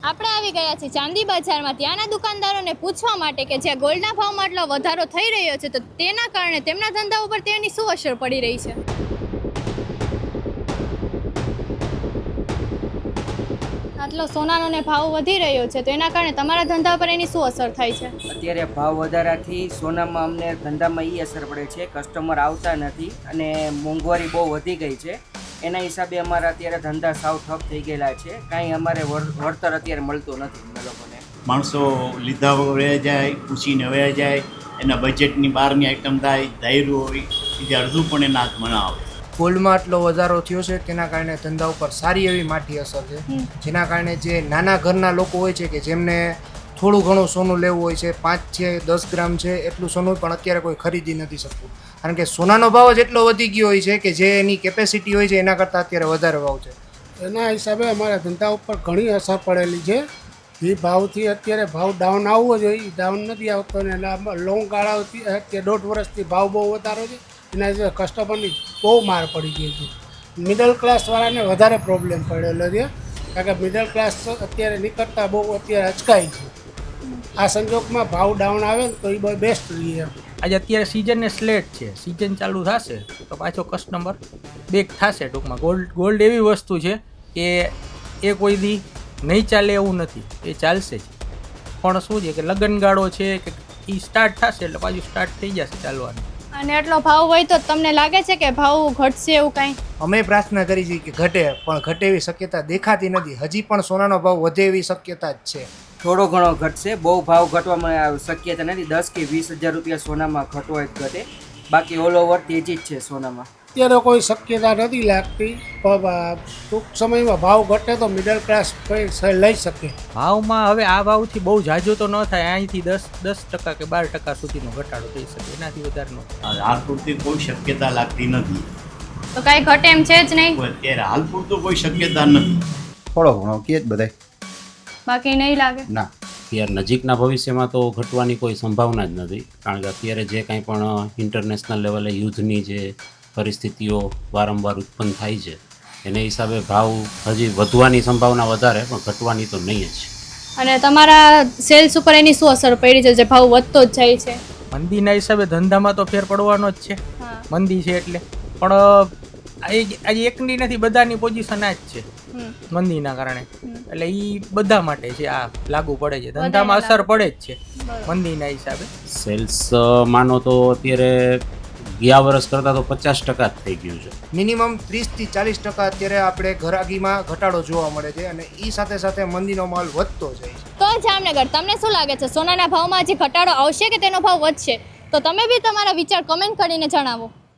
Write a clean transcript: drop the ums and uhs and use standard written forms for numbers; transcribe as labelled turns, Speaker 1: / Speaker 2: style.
Speaker 1: આપણે આવી ગયા છીએ ચાંદી બજારમાં ત્યાંના દુકાનદારોને પૂછવા માટે કે જ્યાં ગોલ્ડના ભાવમાં આટલો વધારો થઈ રહ્યો છે તો તેના કારણે તેમના ધંધા ઉપર તેની શું અસર પડી રહી છે। આટલો સોનાનો ને ભાવ વધી રહ્યો છે તો એના કારણે તમારા ધંધા પર એની શું અસર થાય છે?
Speaker 2: અત્યારે ભાવ વધારાથી સોનામાં અમને ધંધામાં એ અસર પડે છે, કસ્ટમર આવતા નથી અને મોંઘવારી બહુ વધી ગઈ છે। એના હિસાબે અમારા અત્યારે ધંધા સાવ ઠપ થઈ ગયેલા છે, કાંઈ અમારે વળતર અત્યારે મળતું નથી અમને લોકોને।
Speaker 3: માણસો લીધા વયા જાય, પૂછીને વયા જાય, એના બજેટની બહારની આઈટમ થાય, ધાર્યું હોય એ અડધું પણ એના હાથમાં ના આવે।
Speaker 4: ગોલ્ડમાં આટલો વધારો થયો છે તેના કારણે ધંધા ઉપર સારી એવી માઠી અસર છે, જેના કારણે જે નાના ઘરના લોકો હોય છે કે જેમને થોડું ઘણું સોનું લેવું હોય છે, 5 છે 10 ગ્રામ છે એટલું સોનું પણ અત્યારે કોઈ ખરીદી નથી શકતું, કારણ કે સોનાનો ભાવ જ એટલો વધી ગયો હોય છે કે જે એની કેપેસિટી હોય છે એના કરતાં અત્યારે વધારે ભાવ છે।
Speaker 5: એના હિસાબે અમારા ધંધા ઉપર ઘણી અસર પડેલી છે। જે ભાવથી અત્યારે ભાવ ડાઉન આવવો જોઈએ એ ડાઉન નથી આવતો ને લોંગ ગાળાથી અત્યારે 1.5 વર્ષથી ભાવ બહુ વધારો છે, એના હિસાબે કસ્ટમરની બહુ માર પડી ગઈ છે। મિડલ ક્લાસવાળાને વધારે પ્રોબ્લેમ પડેલો છે, કારણ કે મિડલ ક્લાસ અત્યારે નીકળતા બહુ અત્યારે અચકાય છે। આ સંજોગમાં ભાવ ડાઉન આવે ને તો એ બહુ બેસ્ટ રહીએ।
Speaker 6: આજે અત્યારે સિઝન ને સ્લેટ છે, સિઝન ચાલુ થશે તો પાછો કસ્ટમર બેક થશે। ટૂંકમાં ગોલ્ડ એવી વસ્તુ છે કે એ કોઈ દી નહીં ચાલે એવું નથી, એ ચાલશે જ, પણ શું છે કે લગ્નગાળો છે કે એ સ્ટાર્ટ થશે એટલે પાછું સ્ટાર્ટ થઈ જશે ચાલવાનું।
Speaker 1: અને એટલો ભાવ હોય તો તમને લાગે છે કે ભાવ ઘટશે એવું કાંઈ?
Speaker 4: અમે પ્રાર્થના કરી છે કે ઘટે, પણ ઘટે એવી શક્યતા દેખાતી નથી। હજી પણ સોનાનો ભાવ વધે એવી શક્યતા જ છે।
Speaker 2: થોડો ઘણો ઘટશે, બહુ ભાવ ઘટવામાં શક્યતા નથી। 10 કે 20 હજાર રૂપિયા સોનામાં ઘટવો જ ઘટે, બાકી ઓલ ઓવર તેજી જ છે સોનામાં।
Speaker 5: અત્યારે કોઈ શક્યતા નથી લાગતી, પણ ટૂંક સમયમાં ભાવ ઘટે તો મિડલ ક્લાસ લઈ શકે।
Speaker 6: ભાવમાં હવે આ ભાવથી બહુ ઝાઝો તો ન થાય, અહીંથી 10% કે 12% સુધીનો ઘટાડો થઈ શકે, એનાથી વધારે ન થાય।
Speaker 3: હાલ પૂરતી કોઈ શક્યતા લાગતી નથી,
Speaker 1: તો કાંઈ ઘટે એમ છે જ નહીં?
Speaker 3: અત્યારે હાલ પૂરતું કોઈ શક્યતા નથી।
Speaker 7: થોડો ઘણો કે જ બધાય,
Speaker 1: બાકી નહીં લાગે
Speaker 7: ના।
Speaker 8: અત્યારે નજીકના ભવિષ્યમાં તો ઘટવાની કોઈ સંભાવના જ નથી, કારણ કે અત્યારે જે કાંઈ પણ ઇન્ટરનેશનલ લેવલે યુદ્ધની જે પરિસ્થિતિઓ વારંવાર ઉત્પન્ન થાય છે એને હિસાબે ભાવ હજી વધવાની સંભાવના વધારે, પણ ઘટવાની તો નહીં જ।
Speaker 1: અને તમારા સેલ્સ ઉપર એની શું અસર પડી છે જે ભાવ વધતો જ જાય છે?
Speaker 6: મંદીના હિસાબે ધંધામાં તો ફેર પડવાનો જ છે, મંદી છે એટલે, પણ આજે એકની નથી, બધાની પોઝિશન આ જ છે મંદીના કારણે, એટલે એ બધા માટે છે, આ લાગુ પડે છે, ધંધામાં અસર પડે જ છે મંદીના હિસાબે।
Speaker 8: સેલ્સ માનો તો અત્યારે ગયા વર્ષ કરતાં તો 50% જ થઈ ગયું છે।
Speaker 4: મિનિમમ 30 થી 40% અત્યારે આપણે ઘરાગીમાં ઘટાડો જોવા મળે છે, અને એ સાથે સાથે મંદીનો માલ વધતો જાય છે।
Speaker 1: તો જામનગર, તમને શું લાગે છે સોનાના ભાવમાં હજી ઘટાડો આવશે કે તેનો ભાવ વધશે? તો તમે બી તમારા વિચાર કમેન્ટ કરીને જણાવો।